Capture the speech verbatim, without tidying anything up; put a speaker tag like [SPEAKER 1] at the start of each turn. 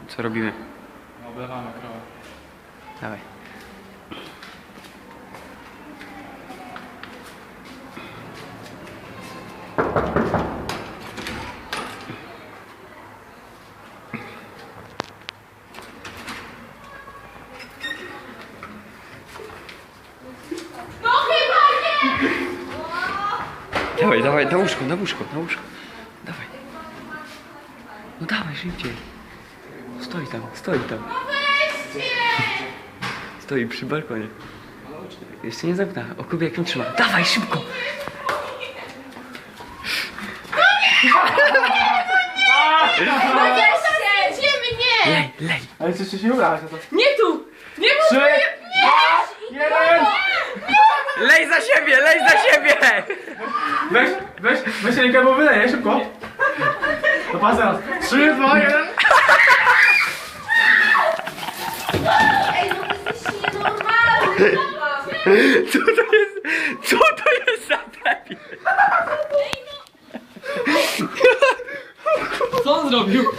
[SPEAKER 1] Co robimy?
[SPEAKER 2] Oblewamy krowę.
[SPEAKER 1] Dawaj.
[SPEAKER 3] No chyba nie!
[SPEAKER 1] Dawaj, dawaj, na łóżko, na łóżko, na łóżko. Dawaj. No dawaj, szybciej. Stoi tam, stoi tam.
[SPEAKER 3] Weźcie!
[SPEAKER 1] Stoi przy balkonie. Jeszcze nie zamknęła. O kubie jak ją trzyma. Dawaj, szybko!
[SPEAKER 3] Chociaż idziemy, nie!
[SPEAKER 1] Lej, lej.
[SPEAKER 2] Ale jeszcze się ubrać na to.
[SPEAKER 3] Nie tu! Nie mów!
[SPEAKER 2] Trzy, dwa, jeden!
[SPEAKER 1] Lej za siebie, lej za siebie!
[SPEAKER 2] Weź, weź, weź rękę, bo wyleję, szybko. To pas teraz. Trzy, dwa, jeden!
[SPEAKER 3] Ej, no ty jesteś nienormalny!
[SPEAKER 1] Co to jest? Co to jest za debil?
[SPEAKER 2] Co on zrobił?